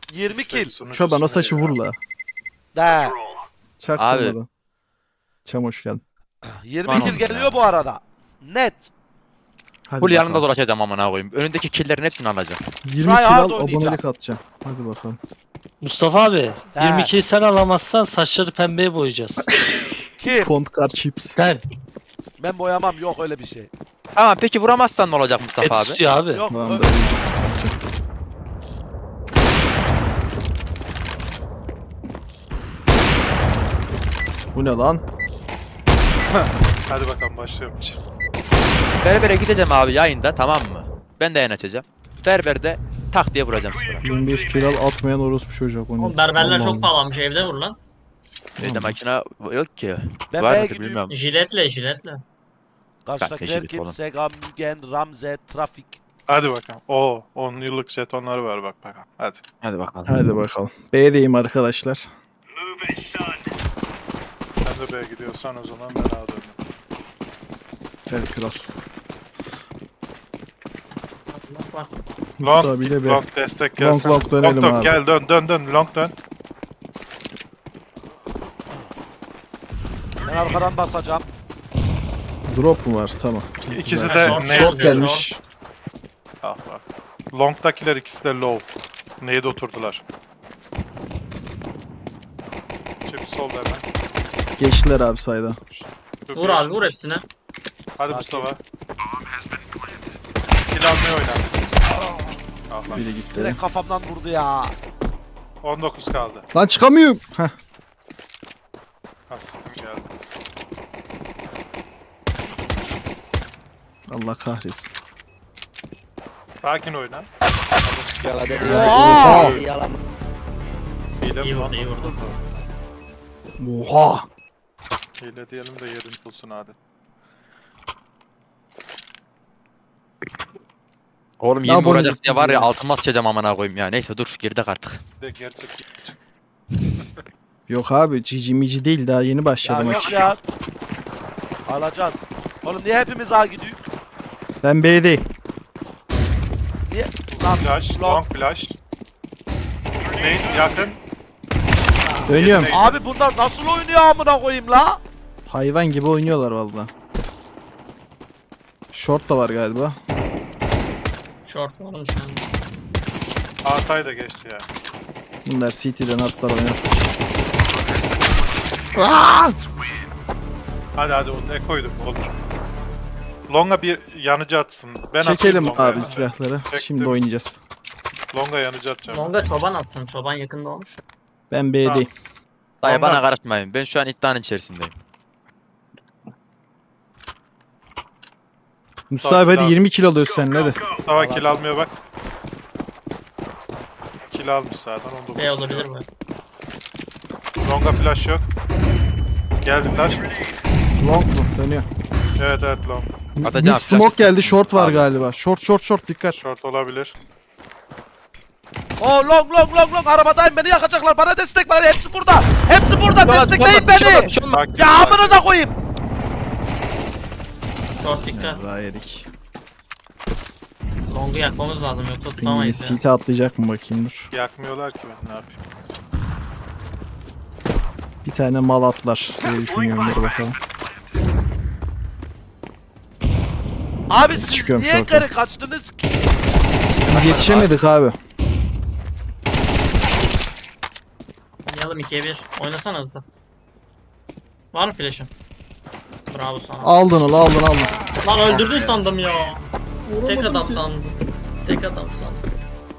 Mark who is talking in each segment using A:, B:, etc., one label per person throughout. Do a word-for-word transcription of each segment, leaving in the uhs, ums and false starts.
A: yirmi kill.
B: Çoban o saçı vur la.
A: De.
B: Çaktırmadan. Çam hoş geldin.
A: yirmi
C: Var
A: kill
C: oğlum
A: geliyor
C: ya.
A: bu arada. Net.
B: Hadi
C: Full yanında
B: bakalım.
C: dolaşacağım amına koyayım. Önündeki killerin hepsini alacağım.
B: yirmi
A: Try
B: kill
A: hard
B: al
A: oynayacağım.
B: abonelik atacağım. Hadi bakalım.
D: Mustafa abi
A: He.
D: yirmi kill sen alamazsan saçları pembeye boyayacağız.
A: Kim?
B: Font kar chips.
D: Ben.
A: Ben boyamam, yok öyle bir şey.
C: Tamam peki vuramazsan ne olacak
D: Et
C: Mustafa abi?
D: istiyor abi.
A: Yok.
B: Tamam
A: ö-
B: da. Bu ne lan?
E: Hadi bakalım başlıyorum.
C: Berbere gideceğim abi yayında, tamam mı? Ben de yayın açacağım. Berberde tak diye vuracağım sıra.
B: yirmi beş kill al atmayan orospu çocuk.
F: Oğlum berberler
B: Allah
F: çok
B: Allah.
F: pahalanmış, evde vur lan.
C: Evde makine yok ki.
A: Ben
C: Var
A: B'ye
C: mıdır
A: gidiyorum.
C: bilmiyorum.
F: Jiletle jiletle.
A: Karşıdakiler
C: yeşillik
A: kim?
C: oğlum.
A: Sega, Mugen, Ramze, Trafik.
E: Hadi bakalım. Oo on yıllık jetonları var bak bakalım. Hadi.
C: Hadi bakalım.
B: Hadi bakalım. B'deyim arkadaşlar.
E: Sen de B'ye gidiyorsan o zaman ben A'da dönüyorum.
B: Gel kral.
F: Bak bak.
B: Mustafa
E: Long,
B: bir de B.
E: long destek
B: Long,
E: gelsen.
B: long dönelim
E: dön,
B: abi.
E: Gel dön dön dön long dön.
A: Ben arkadan basacağım.
B: Drop mu var? Tamam.
E: İkisi
B: Güzel.
E: de
F: Short,
E: ne?
B: Short gelmiş.
E: Ah bak. Long'dakiler ikisi de low. Neye de oturdular. Çip sol hemen.
B: Geçtiler abi sayda.
E: Çok
F: Vur
E: iyi.
F: abi vur hepsine.
E: Hadi
A: Sakin.
E: Mustafa. Kill almaya oyna. Ah lan.
B: Biri gitti.
A: Direkt kafamdan vurdu ya.
E: on dokuz kaldı.
B: Lan çıkamıyorum. Heh.
E: Asistim geldi.
B: Allah kahretsin.
E: Sakin oyna.
A: Oha!
E: Hile
F: İyi
E: mi
F: vurdu
E: lan?
F: iyi vurdu.
B: Oha.
E: Hile diyelim de yerini bulsun adet.
C: Oğlum
B: Ya
C: yirmi
B: bunu
C: vuracak diye var ya
B: ya.
C: altıma sıçacağım amına koyayım ya. Neyse dur girdik artık.
E: Bir de gerçek.
B: Yok abi cici mici değil daha yeni
A: Ya
B: başladım.
A: yok ya. Alacağız. Oğlum niye hepimiz A gidiyor?
B: Ben B'deyim.
A: Niye? Lan
E: Flash,
A: long.
E: long flash. Main yakın.
B: Dönüyorum.
E: Yeteneği-
A: Abi bunlar nasıl oynuyor amına koyayım la?
B: Hayvan gibi oynuyorlar valla. Short da var galiba.
F: Short var oğlum şu an.
E: Asay da geçti ya.
B: Bunlar C T'den atlar oynar.
E: Hadi hadi onu ne koydum olur. Long'a bir yanıcı atsın. Ben
B: Çekelim
E: atayım Long'a
B: abi
E: yanıcı.
B: silahları.
E: Çektim.
B: Şimdi oynayacağız.
E: Long'a yanıcı atacağım.
F: Longa çoban atsın. Çoban yakında olmuş.
B: Ben B'deyim.
C: Dayı
E: Onlar-
C: bana karışmayın. Ben şu an iddianın içerisindeyim.
B: Mustafa abi hadi
E: Tamam.
B: yirmi kilo alıyorsun sen hadi.
E: Mustafa kill almıyor bak. Kill almış zaten on dokuz.
F: B olabilir bu.
E: Long'a flash yok. Geldi flash.
B: Long mu? Dönüyor.
E: Evet evet long.
C: Atacağım,
B: Mid smoke geldi short var
C: Abi.
B: galiba. Short short short dikkat.
E: Short olabilir.
A: Oh long long long long arabadayım, beni yakacaklar, bana destek ver, hepsi burada. Hepsi burada, destekleyin beni.
E: Sakin,
A: Ya
E: sakin.
A: amınıza koyayım.
F: Short dikkat.
B: Daha yedik.
F: Long'u yakmamız lazım yoksa
B: Pingini
F: tutamayız ya.
B: C T atlayacak mı bakayım dur.
E: Yakmıyorlar ki ben ne yapayım.
B: Bir tane mal atlar diye düşünüyorum dur bakalım.
A: Abi siz
B: Çıkıyorum
A: niye
B: short'a.
A: geri kaçtınız ki?
B: Biz yetişemedik abi.
F: Oynayalım ikiye bir. Oynasana hızlı. Var mı flash'ın? Bravo sana.
B: Aldın al aldın aldın.
F: Lan öldürdün sandım ya. Tek adam sandım. Tek adam sandım.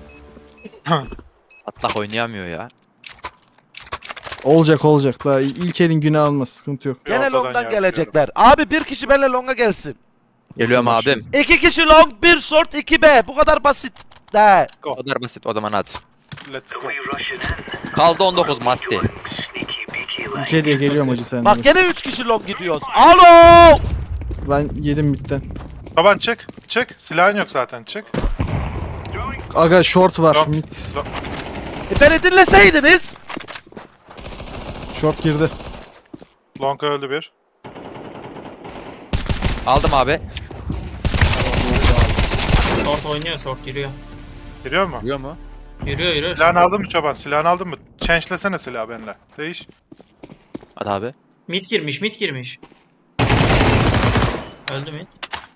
C: Atlak oynayamıyor ya.
B: Olacak olacak. Daha ilk elin günü almaz. Sıkıntı yok.
E: Bir
A: Gene
E: ortadan
A: long'dan
E: yakıyorum.
A: gelecekler. Abi bir kişi benimle long'a gelsin.
C: Geliyorum
B: Boş
C: abim.
A: İki kişi long, bir short, iki B. Bu kadar basit. De.
C: O kadar basit o zaman hadi.
E: Let's go.
C: Kaldı on dokuz Masti.
B: İki diye geliyorum hacı sen.
A: Bak gene üç kişi long gidiyoruz. Alo!
B: Ben yedim midden.
E: Taban çık. Çık. Silahın yok zaten çık.
B: Aga short var
E: Long.
B: mid.
A: E beni dinleseydiniz.
B: Short girdi.
E: Long öldü bir.
C: Aldım abi.
F: Short oynuyor, short giriyor.
E: Giriyor mu?
C: Görüyor mu?
F: Yürüyor yürüyor.
E: Silahını aldın mı çoban? Silahını aldın mı? Change'lesene silahı benimle. Değiş.
C: Hadi abi.
F: Mid girmiş mid girmiş. Öldü mid.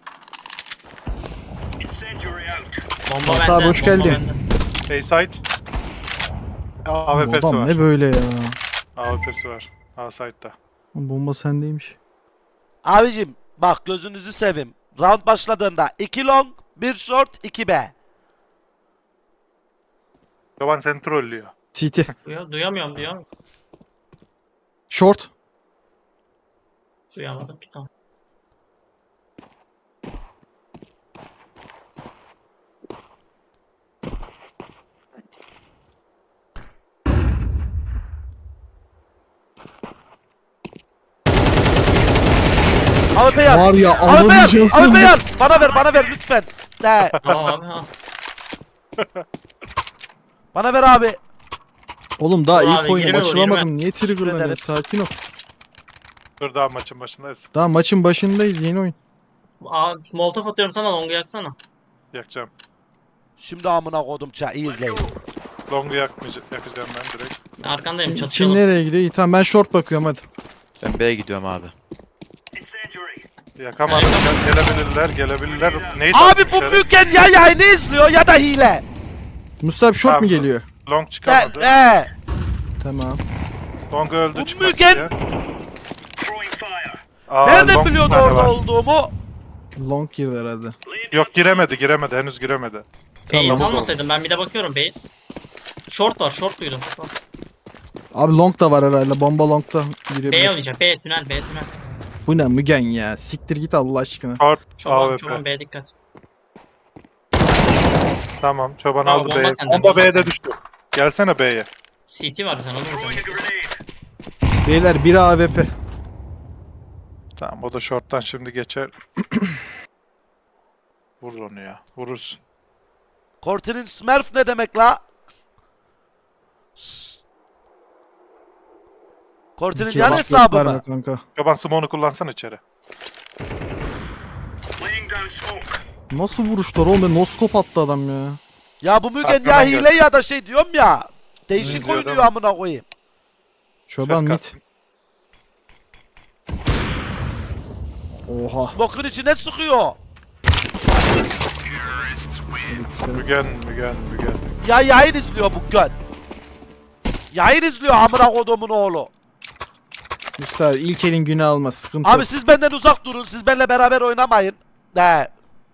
F: Bomba
B: Mustafa
F: bende.
B: abi, hoş
F: bomba
B: geldin.
F: bende.
E: A side. A W P'si
B: Adam
E: var.
B: ne böyle ya?
E: A W P'si var. A side'da.
B: Bomba sendeymiş.
A: Abicim bak gözünüzü seveyim. Round başladığında iki long, bir short, iki B.
E: Çoban seni trollüyor.
B: C T.
F: Duyuyor, duyamıyorum diyor.
B: Short.
F: Duyamadım ki tamam.
A: A W P yan.
B: Var ya,
A: A W P yan.
B: anlamayacaksın.
A: A W P yan. Bana ver bana ver lütfen. De.
F: Tamam abi ha.
A: Bana ver abi.
B: Oğlum daha
F: Dur
B: ilk
F: abi,
B: oyunum
F: yirmi vur,
B: açılamadım. Niye
A: ederim.
B: triggerlanıyorsun? Sakin ol.
E: Dur daha maçın başındayız.
B: Daha maçın başındayız, yeni oyun.
F: Abi molotof atıyorum sana longu yaksana.
E: Yakacağım.
A: Şimdi amına kodum ça iyi izleyin.
E: Long'u yakmayacağım, yakacağım ben direkt.
F: Arkandayım
B: Kim
F: çatışalım.
B: nereye gidiyor? İyi tamam, ben short bakıyorum hadi.
C: Ben B'ye gidiyorum abi.
E: Yakamadım. Gel- Gelebilirler, gelebilirler. Neydi
A: Abi bu büyükken ya yayını izliyor ya da hile.
B: Mustafa abi, short
E: Tamam.
B: mu geliyor?
E: Long
A: De.
E: çıkamadı.
A: De.
B: Tamam.
E: Long öldü
A: Bu
E: çıkmak
A: Mügen-
E: isteyen. Aa,
A: Nereden
E: long bir
A: biliyordu
E: tane
A: orada
E: var.
A: olduğumu?
B: Long girdi herhalde.
E: Yok giremedi, giremedi. Henüz giremedi.
F: B'yi
B: Tamam.
F: salmasaydım ben bir de bakıyorum B'yi. Short var short duydum.
B: Abi long da var herhalde. Bomba long da
F: B
B: girebilir.
F: oynayacak B tünel B tünel.
B: Bu ne Mügen ya? Siktir git Allah aşkına.
E: Short,
F: Çoban
E: A W
F: çoban
E: P.
F: B dikkat.
E: Tamam, çoban
F: Bravo,
E: aldı
F: bomba
E: B'ye.
F: sende,
E: Bomba
F: bomba
E: B'de
F: sende.
E: düştü. Gelsene B'ye.
F: C T var sen onu vuracağım.
B: Beyler biri A W P.
E: Tamam, o da short'tan şimdi geçer. Vur onu ya. Vurursun.
A: Kortin'in Smurf ne demek la? Kortin'in
B: İki
A: yan
B: bak
A: hesabı
B: gösterme
A: mı?
B: kanka.
E: Çoban smoke'unu kullansan içeri.
B: Nasıl vuruşlar oğlum? Noskop attı adam ya.
A: Ya bu Mügen ya
E: Arkadan
A: hile
E: gel.
A: ya da şey diyorum ya. Değişik
E: İzliyor
A: oynuyor
E: değil mi?
A: amına koyayım.
B: Çoban
E: Ses
B: mit.
E: katsın.
B: Oha.
A: Smoke'un içine sıkıyor.
E: Mügen, Mügen, Mügen.
A: Ya yayın izliyor bu göt. Yayın izliyor amına kodumun oğlu.
B: Mustafa abi, ilk elin günü alma, sıkıntı
A: Abi
B: yok.
A: siz benden uzak durun. Siz benimle beraber oynamayın. De.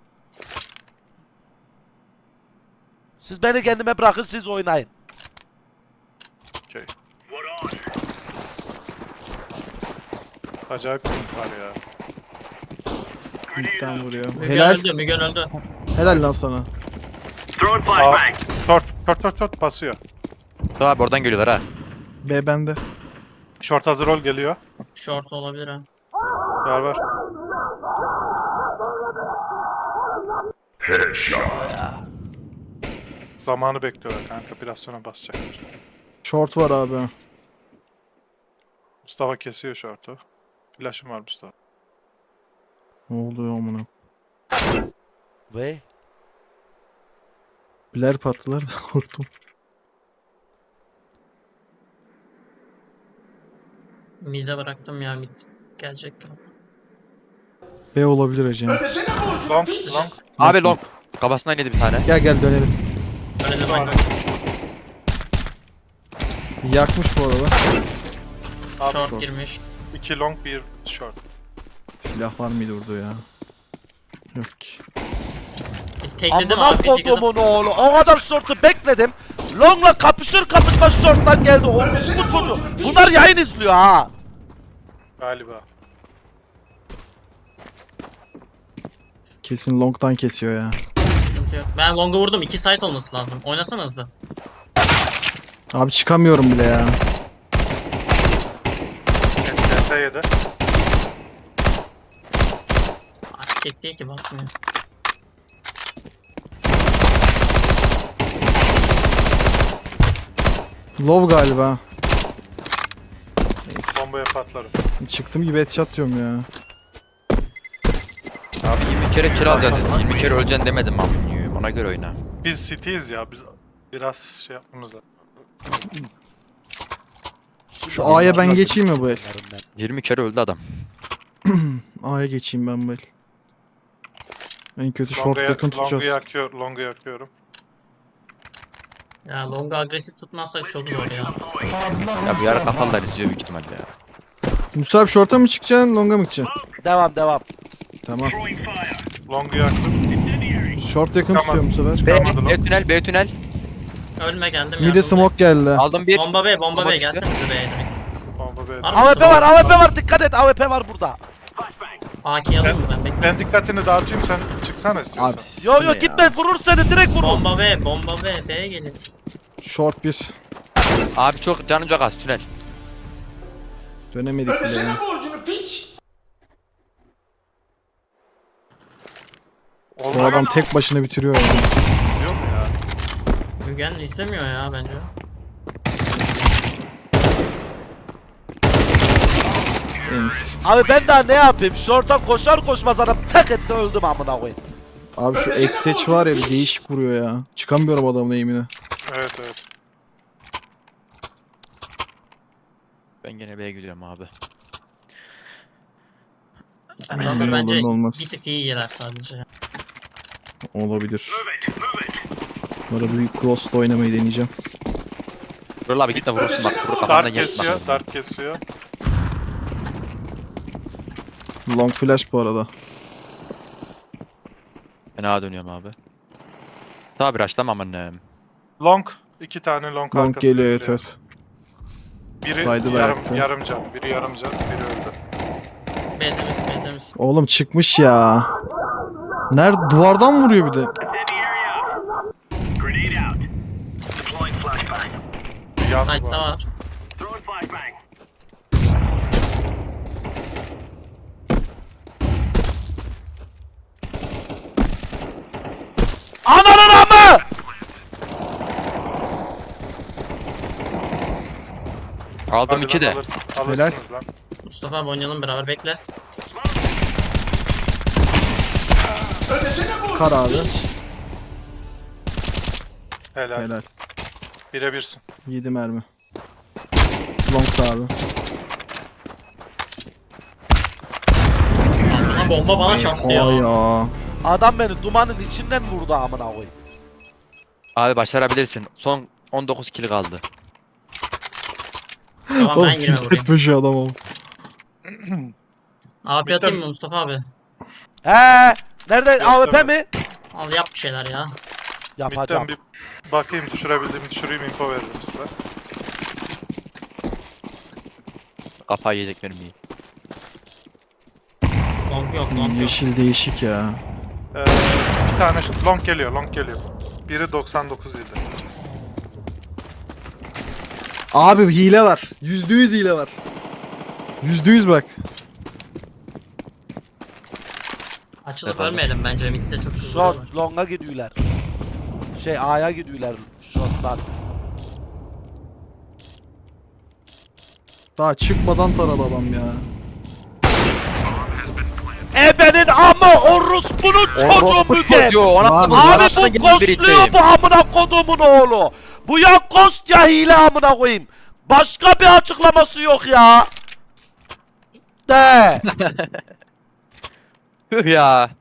A: Siz beni kendime bırakın siz oynayın.
E: Okey. Acayip bir var ya.
B: Midden vuruyor.
F: Mügen
B: Helal.
F: öldü Mügen öldü.
B: Helal lan sana.
E: Aa, short, short, short, short basıyor.
C: Tamam abi oradan geliyorlar ha.
B: B bende.
E: Short hazır ol geliyor.
F: Short olabilir ha.
E: Var var. Zamanı bekliyorlar kanka. Biraz sonra basacaklar.
B: Short var abi.
E: Mustafa kesiyor short'u. Flash'ım var Mustafa.
B: Ne oluyor amına?
A: Ve
B: Biler pattılar da korktum.
F: Mid'e bıraktım ya mid. Gelecek.
B: B olabilir hacım.
E: Long, long.
C: Abi long. Kafasından yedi bir tane.
B: Gel gel dönelim.
F: Öyle de bak.
B: Yakmış bu arada.
F: Short
B: short.
F: girmiş.
E: İki long, bir short.
B: Silah var mıydı orada ya? Yok ki.
F: Tekledim
A: amına
F: abi. bir tek adam-
A: kodumun oğlu. O kadar short'u bekledim. Long'la kapışır kapışmaz short'tan geldi. O bu çocuğu. Bunlar yayın izliyor ha.
E: Galiba.
B: Kesin long'dan kesiyor ya.
F: Sıkıntı yok. Ben long'a vurdum. iki side olması lazım. Oynasana hızlı.
B: Abi çıkamıyorum bile ya.
E: S S yedi.
F: Artık tek değil ki bakmıyor.
B: Low galiba. Neyse.
E: Bombaya patlarım.
B: Çıktım gibi headshot diyorum ya.
C: Abi yirmi kere kill alacaksın. yirmi kere öleceksin demedim abi. Ona göre oyna.
E: Biz city'yiz ya. Biz Biraz şey yapmamız lazım.
B: Şu A'ya ben geçeyim mi bu el?
C: yirmi kere öldü adam.
B: A'ya geçeyim ben bu el. En kötü short
E: Long'a
B: yakın
E: yak- Long'u
B: tutacağız.
E: yakıyor, Long'u yakıyorum.
F: Ya longa agresif tutmazsak çok zor ya.
C: Ya bu yarı kapalılar izliyor büyük ihtimalle ya.
B: Musa abi short'a mı çıkacaksın, long'a mı gideceksin?
A: Devam devam.
B: Tamam.
E: Long'u yaktım.
B: Short yakın
E: Tamam.
B: tutuyor bu sefer.
C: B,
E: Çıkamadı
C: B tünel, B tünel.
F: Ölme geldim
B: Mide
F: yardım.
B: smoke geldi.
C: Aldım bir.
F: Bomba B, bomba
C: Bomba
F: B
C: düştü.
F: gelsenize B'ye direkt.
E: Bomba B'de.
F: Var mı?
A: A W P var, A W P var. Dikkat et, A W P var burada.
F: A K'yi alayım mı ben? Bekle.
E: Ben dikkatini dağıtayım, sen çıksana istiyorsan.
B: Abi
A: Yo yo
B: bu ne ya?
A: gitme, vurur seni, direkt vurur.
F: Bomba B, bomba B, B'ye gelin.
B: Short bir.
C: Abi çok canım çok az tünel.
B: Dönemedik bile ya. Bu
E: Olmuyor
B: adam tek başına bitiriyor ya.
E: istiyor mu ya?
F: Mügen istemiyor ya bence.
B: En-
A: Abi ben daha ne yapayım? Short'a koşar koşmaz adam tek etti, öldüm amına koyayım.
B: Abi şu X-Edge var ya, bir değişik vuruyor ya. Çıkamıyorum adamın eğimine.
E: Evet evet.
C: Ben gene B'ye gidiyorum abi.
F: Adamlar
B: Ne olur
F: bence
B: ne olmaz.
F: bir tık iyi yeler sadece.
B: Olabilir. Bunlara bir cross'la oynamayı deneyeceğim.
C: Dur abi gitme vurursun bak. Vurur kafandan
E: Dark
C: gel.
E: kesiyor, dark kesiyor.
B: Long flash bu arada.
C: Ben A'ya dönüyorum abi. Tabi raşlamam annem.
E: Long, iki tane long,
B: Long
E: arkasında
B: geliyor, evet
E: geliyor.
B: evet.
E: Biri
B: Saydı da
E: yarım,
B: yaktı.
E: yarım can, biri yarım can, biri öldü.
F: B temiz, B temiz.
B: Oğlum çıkmış ya. Nerede? Duvardan vuruyor bir de.
E: Yandı bu
F: Side'da
E: arada.
F: var.
A: Ananın amı!
C: Aldım
E: Hadi
C: iki
E: lan,
C: de.
E: alırsın, alırsınız lan.
F: Mustafa abi oynayalım beraber, bekle.
B: Kar abi.
E: Helal.
B: Helal.
E: Bire birsin.
B: yedi mermi. Long da abi.
F: Ha, bomba bana çarptı
B: Ay
F: ya.
B: ya.
A: Adam beni dumanın içinden vurdu amına koyayım.
C: Abi başarabilirsin. Son on dokuz kill kaldı.
F: Tamam
B: Oğlum
F: ben girme
B: tilt
F: buraya.
B: etmiş adam oğlum.
F: A P atayım mı Mustafa abi?
A: He, nerede?
E: Yok,
A: A W P
E: demez.
A: mi?
F: Al yap bir şeyler ya.
A: Yapacağım.
E: Midden bir bakayım, düşürebildiğimi düşüreyim, info veririm size.
C: Kafayı yiyecek mermiyi.
F: Long yok, long yok.
B: Yeşil değişik ya.
E: Ee, bir tane şu- long geliyor, long geliyor. Biri doksan dokuz yedi.
B: Abi hile var. Yüzde yüz hile var. Yüzde yüz bak.
F: Açılıp
C: Efendim?
F: ölmeyelim bence, midde çok hızlı.
A: Short, long'a gidiyorlar. Şey A'ya gidiyorlar short'tan.
B: Daha çıkmadan taradı adam ya.
A: Ebenin amı, orospunun çocuğu Müge.
C: Çocuğu ona
B: Lan,
A: Abi bu ghostluyor bu amına kodumun oğlu. Bu ya ghost ya hile amına koyayım. Başka bir açıklaması yok ya. De.
C: Tüh ya.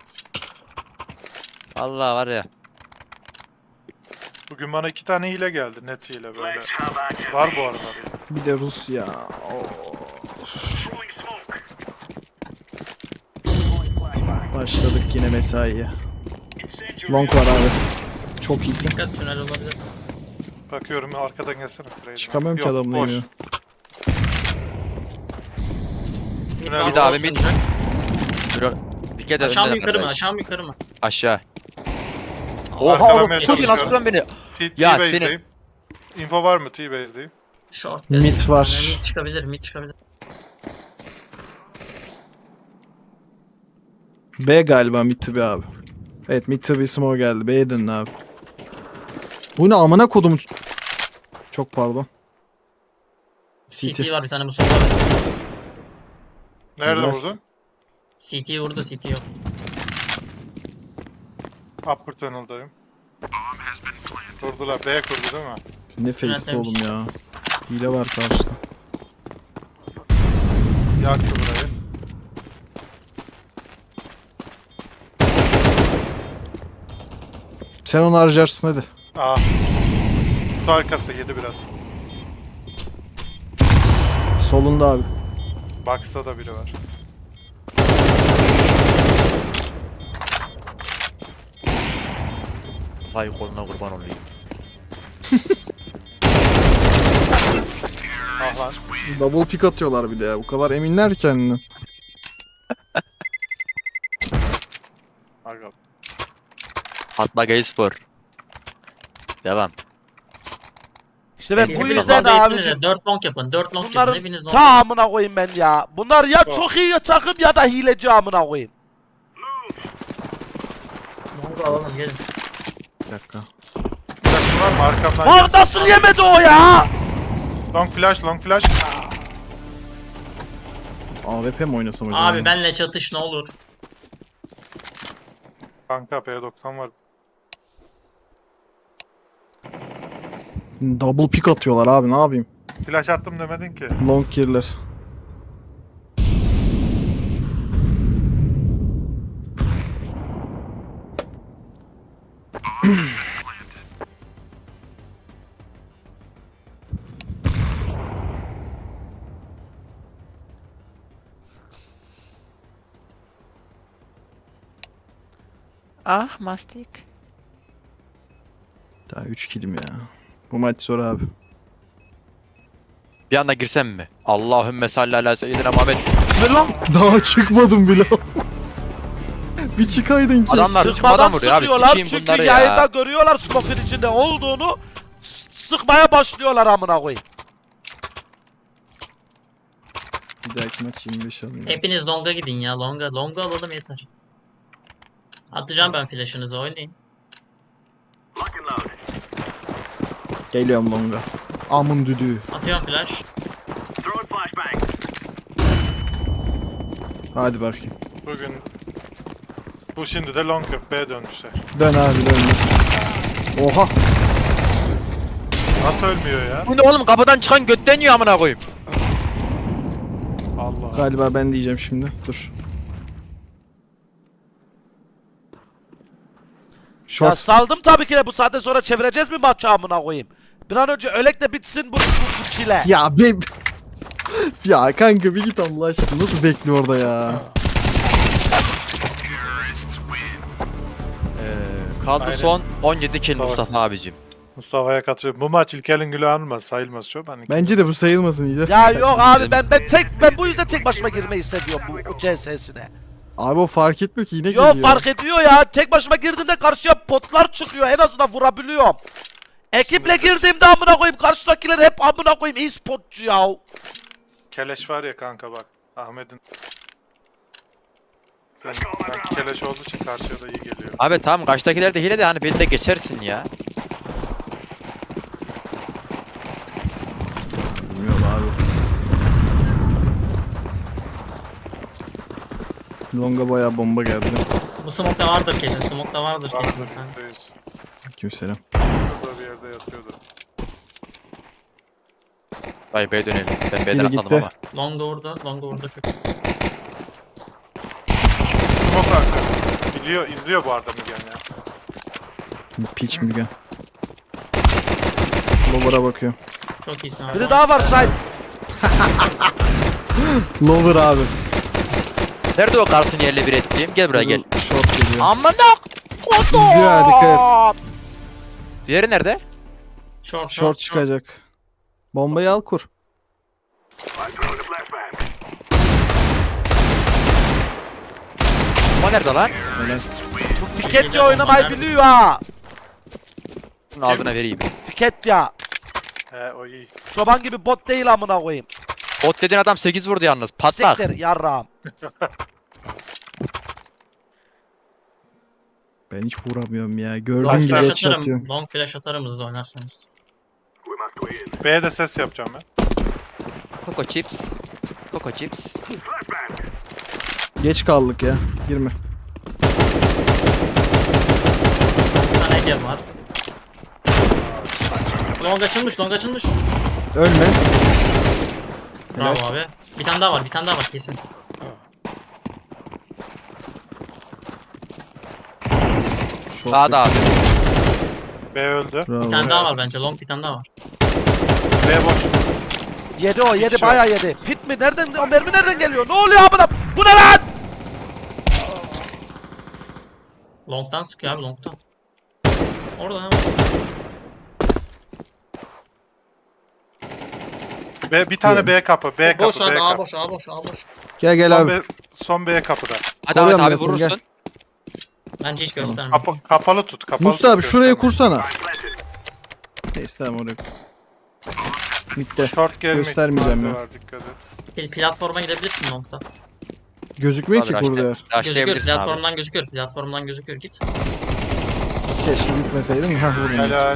C: Allah var ya.
E: Bugün bana iki tane hile geldi, net hile böyle. Var bu arada.
B: Bir de Rus ya. Başladık yine mesaiye. Long var abi. Çok iyisin.
F: Dikkat, tünel olabilir.
E: Bakıyorum, arkadan gelsene Trey'den.
B: Çıkamıyorum ki
E: Yok,
B: adamın
E: boş.
B: eğimine.
E: Tünel
C: Bir daha bir
E: boş.
C: mid. Bir kere de
F: Aşağı mı
C: önde
F: yukarı mı?
C: beraber.
F: Aşağı mı yukarı mı?
C: Aşağı.
E: Arkadan
C: Oha oğlum
E: ben
C: çok iyi
E: çalışıyorum.
C: nasıl vuruyorsun beni?
E: T-
C: Ya
E: T-base'deyim. Info var mı T-base'deyim?
F: Short.
B: Mid
F: dedi.
B: var.
F: Yani mid çıkabilir, mid çıkabilir.
B: B galiba mid to B abi. Evet mid to B smoke geldi. B'ye dönün abi. Bu ne amına kodum. Çok pardon.
F: C
B: C T.
F: T var bir tane Mustafa abi.
E: Nerede
B: Helal.
E: vurdun?
F: C T vurdu, C T yok.
E: Upper tunnel'dayım. Kurdular. B kurdu değil mi?
B: Ne face'ti
F: Yönetmemiş.
B: oğlum ya. Hile var karşıda.
E: Yaktı burayı.
B: Sen onu harcarsın hadi.
E: Aa. Kutu arkası yedi biraz.
B: Solunda abi.
E: Box'ta da biri var.
C: Vay koluna kurban olayım.
E: Ah lan.
B: Double pick atıyorlar bir de ya. Bu kadar eminler kendine.
E: Aga.
C: Fatma Gayspor. Devam.
A: İşte ben bu
F: Hepiniz
A: yüzden
F: longa
A: abi.
F: gitsinize. dört long yapın. dört long yapın.
A: Bunların
F: Hepiniz long.
A: tamamına koyayım ben ya. Bunlar ya
E: Oh.
A: çok iyi takım ya da hileci amına koyayım.
F: Long'u alalım gelin.
B: Bir dakika.
E: Flash var mı? Arkamdan
A: Bak
E: gelsin.
A: nasıl yemedi o ya?
E: Long flash, long flash.
B: A W P mi oynasam acaba?
F: Abi benle çatış ne olur.
E: Kanka P doksan var.
B: Double pick atıyorlar abi, ne yapayım?
E: Flash attım demedin ki.
B: Long girler.
C: Ah mastik.
B: Daha üç killim ya. Bu maç zor abi.
C: Bir anda girsem mi? Allahümme salli ala seyyidina Muhammed.
B: Daha çıkmadım bile. Bir çıkaydın ki.
C: Adamlar
A: Sıkmadan
C: çıkmadan vuruyor abi.
A: sıkıyorlar
C: Sikeyim
A: çünkü
C: bunları
A: yayında
C: ya.
A: görüyorlar smoke'un içinde olduğunu. S- Sıkmaya başlıyorlar amına koyayım.
B: Bir dahaki maç yirmi beş alayım.
F: Hepiniz longa gidin ya. Longa. Longa alalım yeter. Atacağım ben flash'ınızı oynayın.
B: Geliyorum longa. Amın düdüğü.
F: Atıyorum flash.
B: Hadi bakayım.
E: Bugün bu şimdi de long yok. B dönmüşler.
B: Dön abi dön. Oha.
E: Nasıl ölmüyor ya?
C: Bu ne oğlum, kapıdan çıkan götten yiyor amına koyayım.
E: Allah.
B: Galiba ben diyeceğim şimdi. Dur.
A: Ya
B: Short.
A: saldım tabii ki de bu saatten sonra çevireceğiz mi maçı amına koyayım? Bir an önce ölek de bitsin bu, bu, bu çile.
B: Ya be. Ya kanka bir git Allah aşkına. Nasıl bekliyor orada ya?
C: Ee, kaldı
E: Aynen.
C: son on yedi kill
E: Sağ ol.
C: Mustafa abicim.
E: Mustafa'ya katılıyorum. Bu maç İlker'in gülü alınmaz. Sayılmaz çok. Hani
B: Bence de bu sayılmasın iyice.
A: Ya yok abi ben ben tek ben bu yüzden tek başıma girmeyi seviyorum bu, bu C S'sine.
B: Abi o fark etmiyor ki yine
A: Yok
B: geliyor.
A: fark ediyor ya. Tek başıma girdiğimde karşıya potlar çıkıyor. En azından vurabiliyorum. Ekiple girdiğimde amına koyayım karşıdakiler hep amına koyayım iyi spotçu ya.
E: Keleş var ya kanka bak. Ahmet'in. Sen ben keleş olduğu için karşıya da iyi geliyor.
C: Abi tamam, karşıdakiler de hile de hani beni de geçersin ya.
B: Bilmiyorum abi. Longa bayağı bomba geldi.
F: Bu smoke'ta vardır kesin. Smoke'ta vardır kesin. kanka.
E: Reis.
B: Kimselam.
E: Şurada bir yerde yatıyordu.
C: Vay B'ye dönelim. Ben B'den
B: Biri
C: atladım
B: gitti.
C: ama.
F: Longa vurdu. Longa vurdu çok.
E: Smoke arkası. Biliyor, izliyor bu arada Mügen ya.
B: Piç mi gel? Lower'a bakıyor.
F: Çok iyisin abi.
A: Biri daha var side.
B: Lower abi.
C: Nerede o kartını yerle bir ettiğim? Gel buraya gel.
B: Short geliyor.
C: Amına kodum.
B: İzliyor ha, dikkat et.
C: Diğeri nerede?
F: Short short,
B: Short çıkacak. Bombayı al kur.
C: O nerede lan?
B: Helal.
A: Bu Fiketçi oynamayı biliyor ha.
C: Bunun ağzına vereyim.
A: Fiket ya.
E: He o iyi.
A: Çoban gibi bot değil amına koyayım.
C: Bot dediğin adam sekiz vurdu yalnız. Patlak.
A: Siktir yarrağım.
B: Ben hiç vuramıyorum ya. Gördüğüm
F: Long
B: gibi
F: flash
B: headshot
F: atarım.
B: atıyorum.
F: Long flash atarım hızlı oynarsanız.
E: B'ye de ses yapacağım ben.
C: Coco chips. Coco chips.
B: Geç kaldık ya. Girme.
F: Bir tane hediye var. Long açılmış, long açılmış.
B: Ölme.
F: Bravo abi. Bir tane daha var, bir tane daha var kesin.
B: Short
C: Sağda abi.
E: B öldü.
B: Bravo.
F: Bir tane daha var bence, long bir tane daha var.
E: B boş.
A: Yedi o yedi
E: Hiç
A: bayağı yedi. Pit mi? Nereden? O mermi nereden geliyor? Ne oluyor amına? Bu ne lan?
F: Long'dan sıkıyor abi, long'dan. Orada hemen.
E: B, bir tane B kapı. B kapı.
F: Boş
E: B
F: abi, A
E: kapı.
F: boş, A boş, A boş.
B: Gel gel
E: Son
B: abi.
E: B, son B kapıda.
C: Hadi Ahmet
B: Koruyorum
C: abi
B: ben seni,
C: vurursun.
B: gel.
F: Bence hiç gösterme.
E: Kapı, kapalı tut. Kapalı
B: Mustafa
E: tut,
B: abi şuraya
E: gösterme.
B: kursana. Neyse tamam oraya. Bitti.
E: Short gelme
B: Göstermeyeceğim
E: ihtimali
B: ya.
E: var, dikkat et.
F: Pl- Platforma gidebilirsin long'da.
B: Gözükmüyor
C: Abi
B: ki kurdu yer.
F: Gözüküyor,
C: Rushlayabilirsin abi.
F: platformdan gözüküyor. Platformdan gözüküyor, git.
B: Keşke gitmeseydim. Hah vurdum.
E: Helal.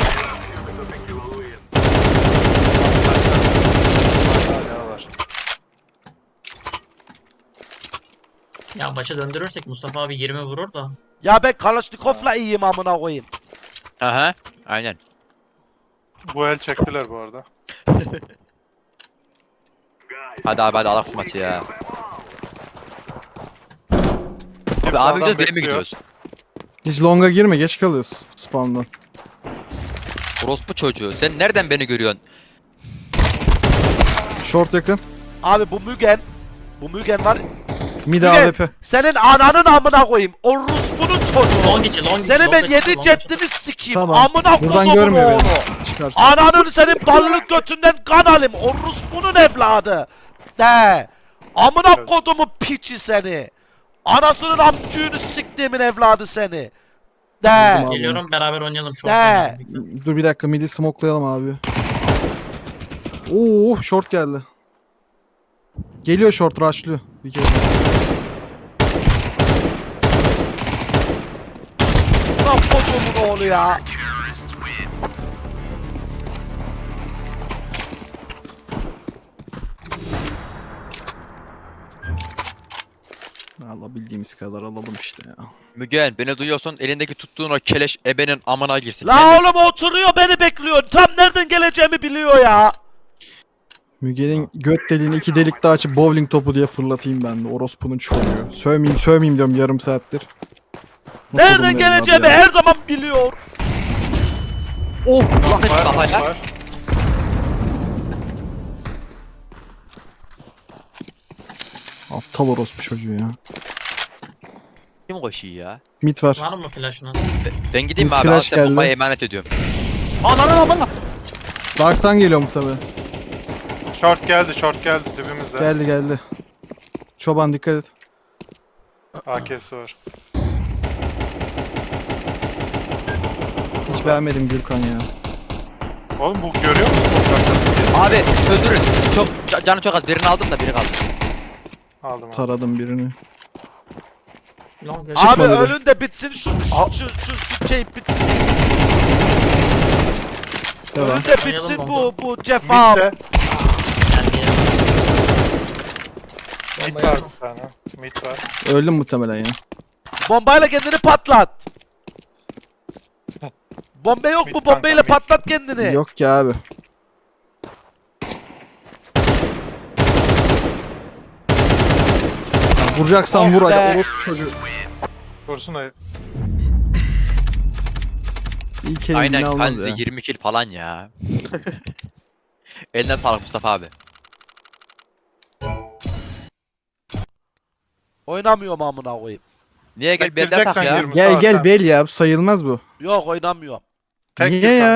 E: Hala var.
F: Ya başa döndürürsek Mustafa abi yirmi vurur da.
A: Ya ben Kalashnikov'la iyiyim amına koyayım.
C: Aha. Aynen.
E: Bu el çektiler bu arada.
C: Hadi abi hadi alak şu maçı ya. Abi
E: Sağdan
C: abi gidiyoruz B'ye mi
E: bekliyor.
C: gidiyoruz?
B: Hiç longa girme geç kalıyoruz spawn'dan.
C: Orospu çocuğu. Sen nereden beni görüyorsun?
B: Short yakın.
A: Abi bu Mügen. Bu Mügen var.
B: Mid
A: Mügen,
B: A W P.
A: senin ananın amına koyayım. O Rus'punun çocuğu.
F: Long içi, long içi.
A: Seni
F: long
A: ben
F: içi,
A: yedi
F: long
A: ceddimi sikeyim.
B: Tamam.
A: Amına
B: Buradan
A: kodumun
B: görmüyor
A: oğlu.
B: beni. Çıkarsın.
A: Ananın senin ballık götünden kan alayım. O Rus'punun evladı. De. Amına kodumun piçi seni. Anasının amcığını siktiğimin evladı seni. De.
B: Vurdum abi.
F: Geliyorum, beraber oynayalım şu
A: De.
F: an.
B: Dur bir dakika midi smokelayalım abi. Oo short geldi. Geliyor short rushlıyor. Bir kere.
A: Lan kodumun oğlu ya.
B: Alabildiğimiz kadar alalım işte ya.
C: Mügen beni duyuyorsun elindeki tuttuğun o keleş ebenin amına girsin.
A: La
C: Ben de-
A: oğlum oturuyor beni bekliyor. Tam nereden geleceğimi biliyor ya.
B: Müge'nin göt deliğini iki delik daha açıp bowling topu diye fırlatayım ben de. Orospunun çocuğu. Sövmeyeyim sövmeyeyim diyorum yarım saattir.
A: Nereden
B: Bakalım
A: geleceğimi
B: evladı ya.
A: her zaman biliyor.
C: Oh! Ulan kaç
E: Var,
C: kafaya.
E: var.
B: Aptal orospu çocuğu ya.
C: Kim koşuyor ya?
B: Mid var.
F: Var mı flash'ına?
C: Ben- Ben gideyim mi
B: Bir
C: abi?
B: flash
C: Al sen bombayı
B: geldi.
C: emanet ediyorum. Ananı amına.
B: Dark'tan geliyor mu tabi?
E: Short geldi, short geldi dibimizde.
B: Geldi geldi. Çoban dikkat et.
E: A K'si var.
B: Hiç beğenmedim Gürkan ya.
E: Oğlum bu görüyor musun? Bu arkasını
C: Abi öldürün. Çok ca- canı çok az. Birini aldım da biri kaldı.
E: aldım abi.
B: Taradım birini.
F: Long
A: Abi
B: Çıkma dedi.
A: ölün de bitsin şu şu şu, şu şey bitsin.
B: Devam.
A: Ölün de bitsin
F: Oynayalım
A: bu bu cefa.
E: Mid de.
F: geldi.
E: Mid var bir tane. Mid var.
B: Öldüm muhtemelen ya.
A: Bombayla kendini patlat. Bomba yok
E: Mid
A: mu?
E: kanka,
A: Bombayla
E: mid.
A: patlat kendini.
B: Yok ki abi. Ya vuracaksan
A: Oh
B: vur hadi
A: be.
B: orospu çocuğu.
E: Korusun da
B: İlk elimini
C: Aynen
B: almaz
C: kanzi
B: ya.
C: yirmi kill falan ya. Eline sağlık Mustafa abi.
A: Oynamıyorum amına koyayım.
C: Niye gel benden tak
E: Bektireceksen
C: ya?
E: gir Mustafa
B: Gel gel
E: sen.
B: bel ya sayılmaz bu.
A: Yok oynamıyorum.
E: Tek
B: Niye
E: gir
B: ya?
E: kanka.